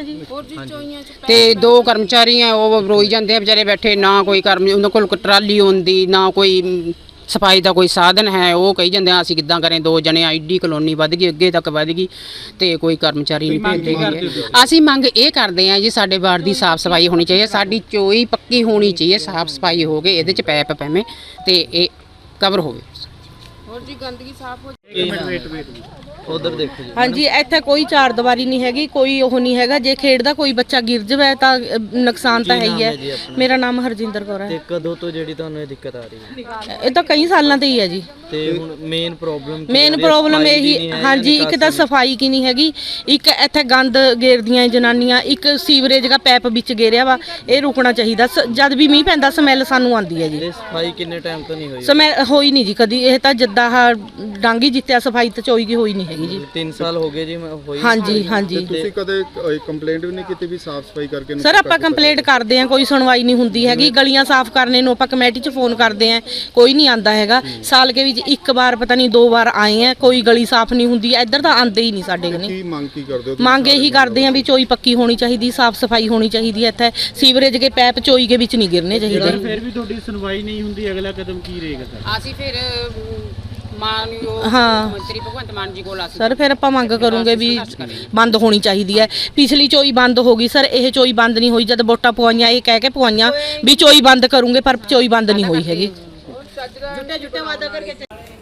[SPEAKER 6] ਤੇ ਦੋ ਕਰਮਚਾਰੀ ਆ, ਉਹ ਰੋਈ ਜਾਂਦੇ ਆ ਵਿਚਾਰੇ ਬੈਠੇ, ਨਾ ਕੋਈ ਕਰਮ ਉਹਨਾਂ ਕੋਲ ਟਰਾਲੀ ਹੁੰਦੀ, ਨਾ ਕੋਈ ਸਫਾਈ ਦਾ ਕੋਈ ਸਾਧਨ ਹੈ। ਉਹ ਕਹੀ ਜਾਂਦੇ ਆ ਅਸੀਂ ਕਿੱਦਾਂ ਕरें, ਦੋ ਜਣੇ ਆਈਡੀ ਕਲੋਨੀ ਵੱਧ ਗਈ, ਅੱਗੇ ਤੱਕ ਵੱਧ ਗਈ, ਤੇ ਕੋਈ ਕਰਮਚਾਰੀ ਨਹੀਂ ਭੇਜਦੇ ਗਏ। ਅਸੀਂ ਮੰਗ ਇਹ ਕਰਦੇ ਆ ਜੀ, ਸਾਡੇ ਵਾਰਡ ਦੀ ਸਾਫ ਸਫਾਈ ਹੋਣੀ ਚਾਹੀਏ, ਸਾਡੀ ਚੋਈ ਪੱਕੀ ਹੋਣੀ ਚਾਹੀਏ, ਸਾਫ ਸਫਾਈ ਹੋ ਗਏ, ਇਹਦੇ ਚ ਪੈਪ ਪੈਵੇਂ ਤੇ ਇਹ ਕਵਰ ਹੋਵੇ।
[SPEAKER 9] ਹੋਰ ਜੀ ਗੰਦਗੀ ਸਾਫ਼ ਹੋ
[SPEAKER 8] ਉਧਰ ਦੇਖੋ ਜੀ।
[SPEAKER 4] ਹਾਂਜੀ, ਇੱਥੇ ਕੋਈ ਚਾਰ ਦੀਵਾਰੀ ਨਹੀਂ ਹੈਗੀ, ਕੋਈ ਉਹ ਨਹੀਂ ਹੈਗਾ। ਜੇ ਖੇਡਦਾ ਕੋਈ ਬੱਚਾ ਗਿਰ ਜਾਵੇ ਤਾਂ ਅ, ਨੁਕਸਾਨ ਤਾਂ ਹੈ ਹੀ ਹੈ। ਮੇਰਾ ਨਾਮ ਹਰਜਿੰਦਰ ਕੌਰ ਹੈ।
[SPEAKER 8] ਤੇ ਕਦੋਂ ਤੋਂ ਜਿਹੜੀ ਤੁਹਾਨੂੰ ਇਹ ਦਿੱਕਤ ਆ ਰਹੀ ਹੈ?
[SPEAKER 4] ਇਹ ਤਾਂ ਕਈ ਸਾਲਾਂ ਤੋਂ ਹੀ ਹੈ ਜੀ।
[SPEAKER 8] ਤੇ ਹੁਣ ਮੇਨ ਪ੍ਰੋਬਲਮ
[SPEAKER 4] ਮੇਨ ਪ੍ਰੋਬਲਮ ਇਹੀ, ਹਾਂਜੀ, ਇੱਕ ਤਾਂ ਸਫਾਈ ਕੀ ਨਹੀਂ ਹੈਗੀ, ਇੱਕ ਇੱਥੇ ਗੰਦ ਗੇਰਦੀਆਂ ਜਨਾਨੀਆਂ, ਇੱਕ ਸੀਵਰੇਜ ਦਾ ਪੈਪ ਵਿੱਚ ਗੇਰਿਆ ਵਾ, ਇਹ ਰੁਕਣਾ ਚਾਹੀਦਾ। ਸ- ਜਦ ਵੀ ਮੀਂਹ ਪੈਂਦਾ ਸਮੈਲ ਸਾਨੂੰ ਆਉਂਦੀ ਹੈ ਜੀ।
[SPEAKER 8] ਇਹ ਸਫਾਈ ਕਿੰਨੇ ਟਾਈਮ ਤੋਂ ਨਹੀਂ ਹੋਈ?
[SPEAKER 4] ਸਮੈਲ ਹੋਈ ਨਹੀਂ ਜੀ ਕਦੀ। ਇਹ ਤਾਂ ਜਿੱਦਾਂ ਆਹ ਡਾਂਗੀ ਜਿੱਤਿਆ ਸਫਾਈ ਤਾਂ ਚੋਈ ਦੀ ਹੋਈ ਨਹੀਂ ਹੈਗੀ ਜੀ।
[SPEAKER 8] ਤਿੰਨ ਸਾਲ ਹੋ ਗਏ ਜੀ ਮੈਂ ਹੋਈ।
[SPEAKER 4] ਹਾਂਜੀ ਹਾਂਜੀ
[SPEAKER 5] ਤੁਸੀਂ ਕਦੇ ਕੰਪਲੇਂਟ ਵੀ ਨਹੀਂ ਕੀਤੀ ਵੀ ਸਾਫ ਸਫਾਈ ਕਰਕੇ ਇਹਨੂੰ
[SPEAKER 4] ਸਰ,
[SPEAKER 5] ਪੱਕਾ
[SPEAKER 4] ਆਪਾਂ
[SPEAKER 5] ਕੀਤਾ
[SPEAKER 4] ਕੰਪਲੇਂਟ ਕਰਦੇ ਆਂ, ਕੋਈ ਸੁਣਵਾਈ ਨਹੀਂ ਹੁੰਦੀ ਹੈਗੀ। ਗਲੀਆਂ ਸਾਫ਼ ਕਰਨੇ ਨੂੰ ਆਪਾਂ ਕਮੇਟੀ 'ਚ ਫੋਨ ਕਰਦੇ ਆਂ, ਕੋਈ ਨਹੀਂ ਆਂਦਾ ਹੈਗਾ। ਸਾਲ ਕੇ ਵਿੱਚ ਇੱਕ ਵਾਰ ਪਤਾ ਨਹੀਂ ਦੋ ਵਾਰ ਆਏ ਆ, ਕੋਈ ਗਲੀ ਸਾਫ਼ ਨਹੀਂ ਹੁੰਦੀ। ਇੱਧਰ ਤਾਂ ਆਂਦੇ ਹੀ ਨਹੀਂ ਸਾਡੇ ਕਨੇ।
[SPEAKER 5] ਕੀ ਮੰਗ ਕੀ ਕਰਦੇ ਹੋ ਤੁਸੀਂ?
[SPEAKER 4] ਮੰਗ ਇਹੀ ਕਰਦੇ ਆਂ ਵੀ ਚੋਈ ਪੱਕੀ ਹੋਣੀ ਚਾਹੀਦੀ, ਸਾਫ਼ ਸਫਾਈ ਹੋਣੀ ਚਾਹੀਦੀ ਹੈ। ਇੱਥੇ ਸੀਵਰੇਜ ਦੇ ਪੈਪ ਚੋਈ ਦੇ ਵਿੱਚ ਨਹੀਂ ਗਿਰਨੇ ਚਾਹੀਦੇ।
[SPEAKER 2] ਫਿਰ ਵੀ ਤੁਹਾਡੀ ਸੁਣਵਾਈ ਨਹੀਂ ਹੁੰਦੀ, ਅਗਲਾ ਕਦਮ ਕੀ ਰਹੇਗਾ ਸਰ?
[SPEAKER 6] ਅਸੀਂ ਫਿਰ ਮਾਨਯੋਗ
[SPEAKER 4] ਹਾਂ।
[SPEAKER 6] ਮੰਤਰੀ ਭਗਵੰਤ ਮਾਨ ਜੀ ਕੋਲ ਅਸੀਂ
[SPEAKER 4] ਸਰ ਫਿਰ ਆਪਾਂ ਮੰਗ ਕਰੂੰਗੇ ਵੀ ਬੰਦ ਹੋਣੀ ਚਾਹੀਦੀ ਹੈ। ਪਿਛਲੀ ਚੋਈ ਬੰਦ ਹੋ ਗਈ ਸਰ, ਇਹ ਚੋਈ ਬੰਦ ਨਹੀਂ ਹੋਈ। ਜਦ ਵੋਟਾਂ ਪਵਾਈਆਂ ਇਹ ਕਹਿ ਕੇ ਪਵਾਈਆਂ ਵੀ ਚੋਈ ਬੰਦ ਕਰੂੰਗੇ, ਪਰ ਚੋਈ ਬੰਦ ਨਹੀਂ ਹੋਈ ਹੈਗੀ। ਜੁੱਟੇ ਜੁੱਟੇ ਵਾਦਾ ਕਰਕੇ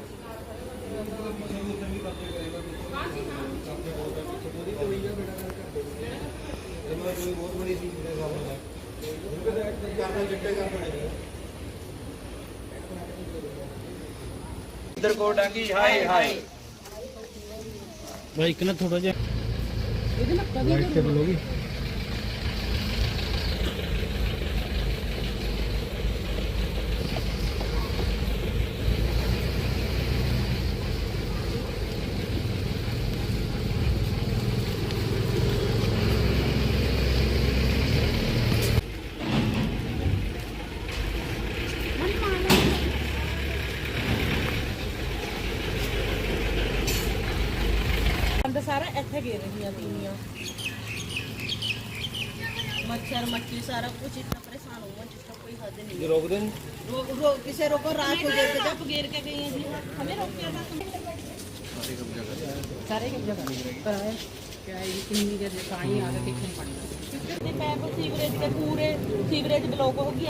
[SPEAKER 2] इधर को डांगी हाय हाय भाई इतना थोड़ा जा लाइट से बोलोगी?
[SPEAKER 4] ਸਾਰਾ ਇੱਥੇ ਗੇ ਰਹੀਆਂ ਤੀਵੀਆਂ, ਮੱਛਰ ਮੱਖੀ ਸਾਰਾ ਕੁਝ ਇतना परेशान हुआ जिसका कोई हद नहीं है।
[SPEAKER 2] रोक दें
[SPEAKER 4] रो, रो, किसे रोको रात को गेर के जब गेर के गई हैं जी, हमें रोक के सारे कब्जा कर आए क्या है कितनी देर पानी आ रहा कितने पानी पैप सीवरेज के पूरे सीवरेज ब्लॉक हो गया।